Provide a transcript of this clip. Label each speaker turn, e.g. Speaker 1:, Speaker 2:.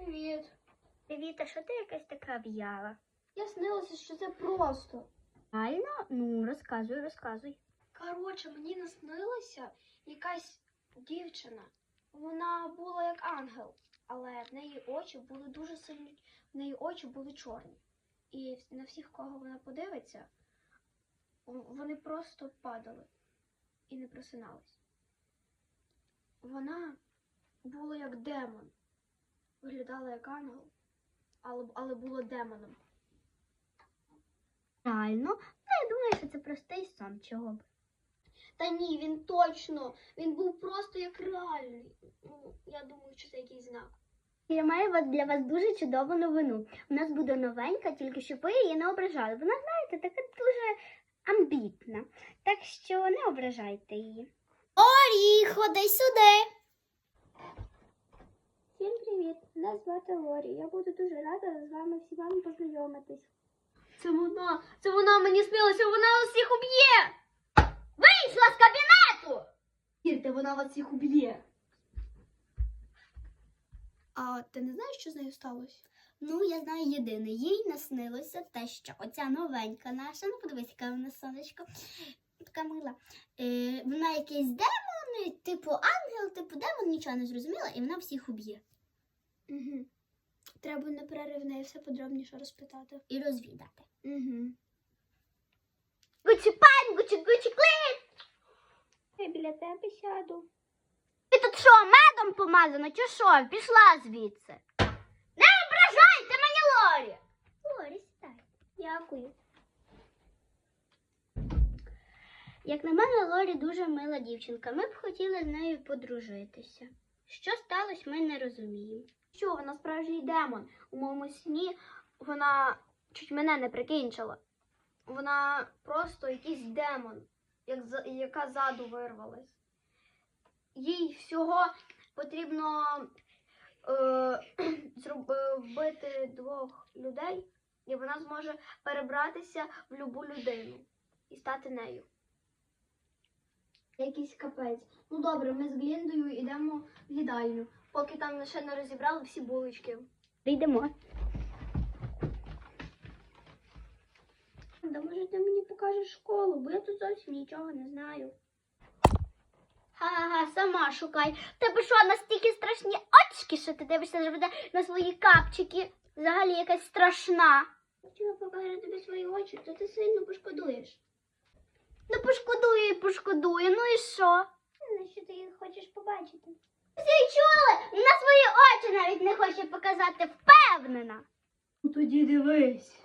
Speaker 1: Привіт.
Speaker 2: Привіт, а що ти якась така в'яла?
Speaker 1: Я снилася, що це просто.
Speaker 2: Реально? Ну, розказуй.
Speaker 1: Коротше, мені наснилася якась дівчина. Вона була як ангел, але в неї очі були дуже сильні, в неї очі були чорні. І на всіх, кого вона подивиться, вони просто падали і не просинались. Вона була як демон. Виглядала як ангел, але була демоном.
Speaker 2: Реально? Ну, я думаю, що це простий сон, чого б.
Speaker 1: Та ні, він був просто як реальний. Ну, я думаю, що це якийсь знак.
Speaker 2: Я маю для вас дуже чудову новину. У нас буде новенька, тільки щоб ви її не ображали. Вона, знаєте, така дуже амбітна. Так що не ображайте її.
Speaker 1: Лорі, ходи сюди.
Speaker 2: Всім привіт! Мене звати Лорі. Я буду дуже рада з вами всіма познайомитись.
Speaker 1: Це вона мені снилася, вона усіх уб'є. Вийшла з кабінету! Вірте, вона вас всіх уб'є. А ти не знаєш, що з нею сталося?
Speaker 2: Ну, я знаю єдине. Їй наснилося те, що оця новенька наша, ну подивись, яка вона сонечко, така мила. Вона якийсь демон, типу ангел, типу демон, нічого не зрозуміла, і вона всіх уб'є.
Speaker 1: Угу. Треба на перерив в неї все подробніше розпитати.
Speaker 2: І розвідати.
Speaker 1: Угу.
Speaker 2: Гучі-пань, гучі-клин!
Speaker 1: Я біля тебе сяду.
Speaker 2: Ти тут що, медом помазано, чи що? Пішла звідси. Не ображайте мені, Лорі! Лорі, сідай.
Speaker 1: Дякую.
Speaker 2: Як на мене, Лорі дуже мила дівчинка. Ми б хотіли з нею подружитися. Що сталося, ми не розуміємо.
Speaker 1: Що, вона справжній демон. У моєму сні вона чуть мене не прикінчила. Вона просто якийсь демон, яка ззаду вирвалась. Їй всього потрібно вбити 2 людей, і вона зможе перебратися в любу людину і стати нею. Якийсь капець. Ну добре, ми з Гліндою йдемо в їдальню, поки там ще не розібрали всі булочки.
Speaker 2: Йдемо.
Speaker 1: Да, може, ти мені покажеш школу, бо я тут зовсім нічого не знаю.
Speaker 2: Ага, сама шукай. В тебе що, настільки страшні очки, що ти дивишся завжди на свої капчики? Взагалі якась страшна.
Speaker 1: Хотіла показати тобі свої очі, то ти сильно пошкодуєш.
Speaker 2: Ну пошкодую і пошкодую, ну і що?
Speaker 1: На що ти їх хочеш побачити?
Speaker 2: Всі чули? На свої очі навіть не хоче показати, впевнена.
Speaker 1: Ну тоді дивись.